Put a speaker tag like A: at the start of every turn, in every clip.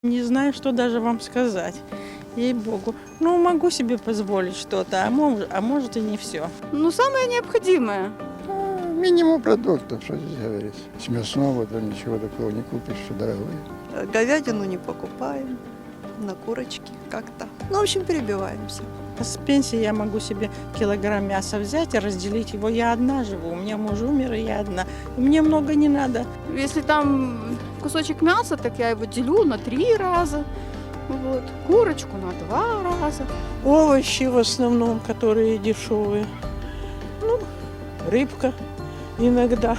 A: Не знаю, что даже вам сказать, ей-богу. Ну, могу себе позволить что-то, а может и не все.
B: Ну, самое необходимое.
C: Минимум продуктов, что здесь говорить. С мясного то ничего такого не купишь, что дорогое.
D: Говядину не покупаем, на курочки как-то. Ну, в общем, перебиваемся.
A: С пенсии я могу себе килограмм мяса взять и разделить его. Я одна живу, у меня муж умер, и я одна. И мне много не надо.
B: Если там кусочек мяса, так я его делю на 3 раза. Вот. Курочку на 2 раза.
E: Овощи в основном, которые дешевые. Ну, рыбка иногда.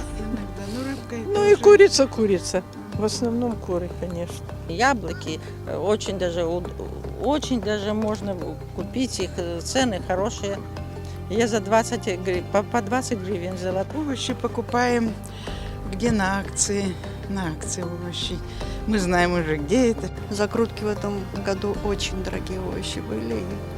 E: Ну и курица. В основном куры, конечно.
A: Яблоки очень даже можно купить, их цены хорошие. Я за 20 по 20 гривен взяла.
F: Овощи покупаем где на акции овощи. Мы знаем уже, где это.
D: Закрутки в этом году очень дорогие овощи были.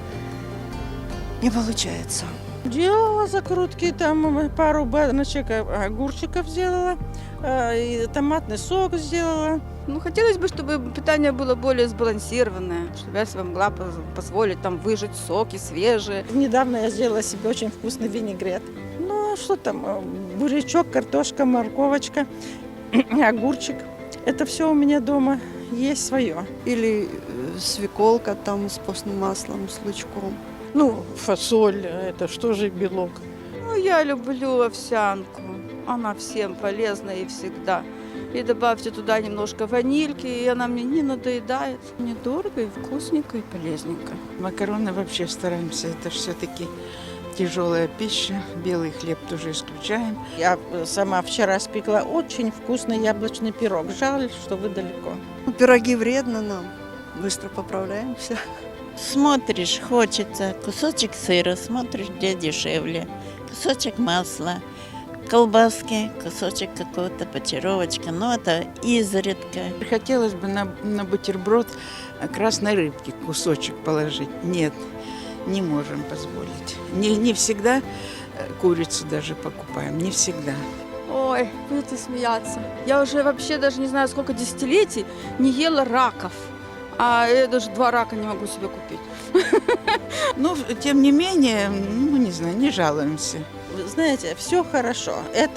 D: И не получается.
A: Делала закрутки, там пару баночек огурчиков сделала, и томатный сок сделала.
B: Ну, хотелось бы, чтобы питание было более сбалансированное, чтобы я себе могла позволить там выжать соки свежие.
A: Недавно я сделала себе очень вкусный винегрет. Ну, а что там, бурячок, картошка, морковочка, огурчик. Это все у меня дома есть свое.
D: Или свеколка там с постным маслом, с лучком.
E: Ну, фасоль, это что же белок?
B: Ну, я люблю овсянку. Она всем полезна и всегда. И добавьте туда немножко ванильки, и она мне не надоедает. Недорого и вкусненько, и полезненько.
F: Макароны вообще стараемся. Это все-таки тяжелая пища. Белый хлеб тоже исключаем.
A: Я сама вчера спекла очень вкусный яблочный пирог. Жаль, что вы далеко.
D: Ну, пироги вредно нам. Быстро поправляемся.
G: Смотришь, хочется кусочек сыра, смотришь, где дешевле, кусочек масла, колбаски, кусочек какого-то панировочка, но это изредка.
F: Хотелось бы на бутерброд красной рыбки кусочек положить. Нет, не можем позволить. Не всегда курицу даже покупаем, не всегда.
B: Ой, будете смеяться. Я уже вообще даже не знаю, сколько десятилетий не ела раков. А я даже 2 рака не могу себе купить.
F: Но, тем не менее, ну, не знаю, не жалуемся.
A: Вы знаете, все хорошо.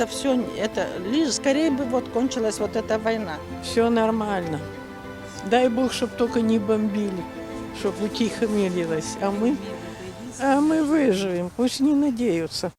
A: Лишь скорее бы вот кончилась вот эта война.
E: Все нормально. Дай Бог, чтобы только не бомбили, чтобы утихомирилось. А мы выживем, пусть не надеются.